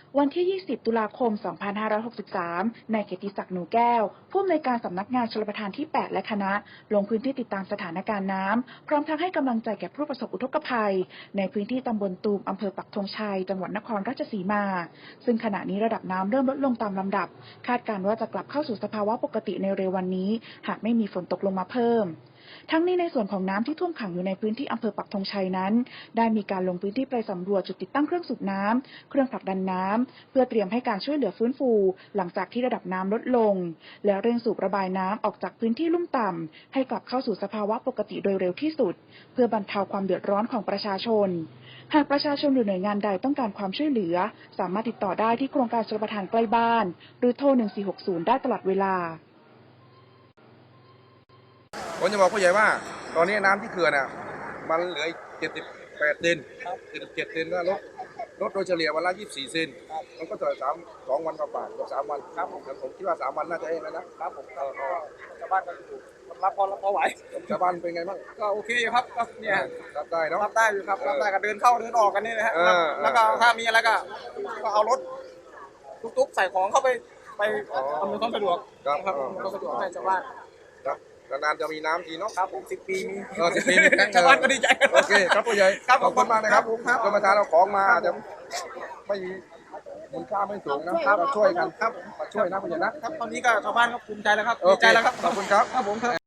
วันที่ 20 ตุลาคม 2563 นายเกียรติศักดิ์ หนูแก้ว ผู้อำนวยการสำนักงานชลประทานที่ 8 และคณะ ลงพื้นที่ติดตามสถานการณ์น้ำ พร้อมทั้งให้กำลังใจแก่ผู้ประสบอุทกภัย ในพื้นที่ตำบลตูม อำเภอปักธงชัย จังหวัดนครราชสีมา ซึ่งขณะนี้ระดับน้ำเริ่มลดลงตามลำดับ คาดการณ์ว่าจะกลับเข้าสู่สภาวะปกติในเร็ววันนี้ หากไม่มีฝนตกลงมาเพิ่ม ทั้งนี้ในส่วนของน้ำที่ท่วมขังอยู่ในพื้นที่อำเภอปักธงชัยนั้น ได้มีการลงพื้นที่ไปสำรวจจุดติดตั้งเครื่องสูบน้ำ เครื่องผลักดันน้ำ เพื่อเตรียมให้การช่วยเหลือฟื้นฟู หลังจากที่ระดับน้ำลดลง และเร่งสูบระบายน้ำออกจากพื้นที่ลุ่มต่ำให้กลับเข้าสู่สภาวะปกติโดยเร็วที่สุด เพื่อบรรเทาความเดือดร้อนของประชาชน หากประชาชนหรือหน่วยงานใดต้องการความช่วยเหลือ สามารถติดต่อได้ที่โครงการชลประทานใกล้บ้าน หรือโทร 1460 ได้ตลอดเวลาผมจะบอกผู้ใหญ่ว่าตอนนี้น้ำที่เขื่อนอ่ะมันเหลือ78 เซน77 เซนก็ลดโดยเฉลี่ยวันละ24 เซนมันก็จะ2 วันกว่าๆกับ3 วันครับผมคิดว่า3 วันน่าจะเองแล้วนะครับผมชาวบ้านก็ถูกรับพอไหวชาวบ้านเป็นไงบ้างก็โอเคอยู่ครับก็เนี่ยรับได้เนาะรับได้อยู่ครับรับได้ก็เดินเข้าเดินออกกันนี่นะฮะแล้วก็ถ้ามีอะไรก็เอารถตุ๊กๆใส่ของเข้าไปอำนวยความสะดวกครับก็สะดวกให้ชาวบ้านนานจะมีน้ำทีเนาะครับผม10 ปีมี 10 ปีมีชาวบ้านก็ดีใจโอเคครับผู้ใหญ่ขอบคุณมากนะครับกรมธรรม์เราของมาจะไม่มีมูลค่าไม่สูงนะครับเราช่วยกันครับมาช่วยนะผู้ใหญ่นะครับตอนนี้ก็ชาวบ้านก็ภูมิใจแล้วครับดีใจแล้วครับขอบคุณครับผมครับ